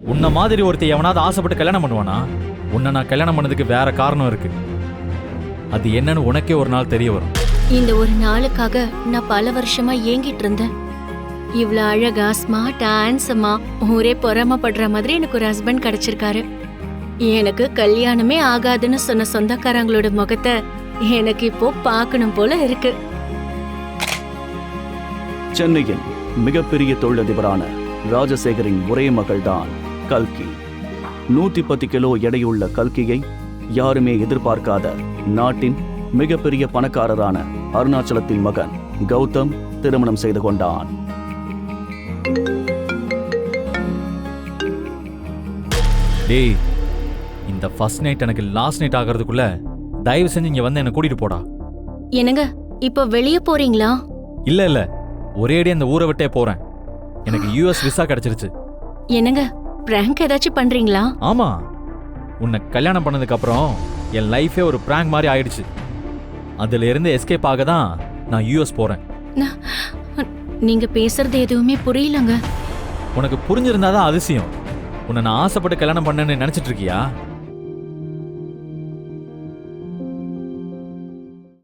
உன்ன மாதிரி ஒருத்தர் எவனாவது ஆசைப்பட்டு கல்யாணம் பண்ணுவானா? உன்னை நான் கல்யாணம் பண்ணதுக்கு வேற காரணம் இருக்கு. அது என்னன்னு உனக்கே ஒரு நாள் தெரிய வரும். இந்த ஒரு நாளுக்காக நான் பல வருஷமா ஏங்கிட்டு இருந்தேன். இவ்வளவு அழகா ஸ்மார்ட்டா ஹேண்ட்ஸமா ஊரே பொறாமப்படுற மாதிரி எனக்கு ஒரு ஹஸ்பண்ட் கிடைச்சிருக்காரு. எனக்கு கல்யாணமே ஆகாதுன்னு சொன்ன சொந்தக்காரங்களோட முகத்தை எனக்கு இப்போ பார்க்கணும் போல இருக்கு. சென்னையின் மிகப்பெரிய தொழிலதிபரான ராஜசேகரின் ஒரே மகள்தான் கல்கி. 110 கிலோ எடையுள்ள கல்கியை யாருமே எதிர்பார்க்காத நாட்டின் மிகப்பெரிய பணக்காரரான அருணாச்சலத்தின் மகன் கௌதம் திருமணம் செய்து கொண்டான். டேய், இந்த ஃபர்ஸ்ட் நைட் எனக்கு லாஸ்ட் நைட் ஆகிறதுக்குள்ள தயவு செஞ்சு இங்க வந்து என்ன கூட்டிட்டு போடா. என்னங்க இப்போ வெளியே போறீங்களா? இல்ல ஒரேடி அந்த ஊரை விட்டே போறேன். எனக்கு யூஎஸ் விசா கிடைச்சிருச்சு. என்னங்க பிராங்க் ஏதாச்சும் பண்றீங்களா? ஆமா, உன்னை கல்யாணம் பண்ணதுக்கு அப்புறம் என் லைஃபே ஒரு பிராங்க் மாதிரி ஆயிடுச்சு. அதுல இருந்து எஸ்கேப் ஆக தான் நான் யூஎஸ் போறேன். நீங்க பேசுறது எதுவுமே புரியலங்க. உனக்கு புரிஞ்சிருந்தாதான் அதிசயம். உன்னை நான் ஆசைப்பட்டு கல்யாணம் பண்ணேன்னு நினைச்சிட்டு இருக்கியா?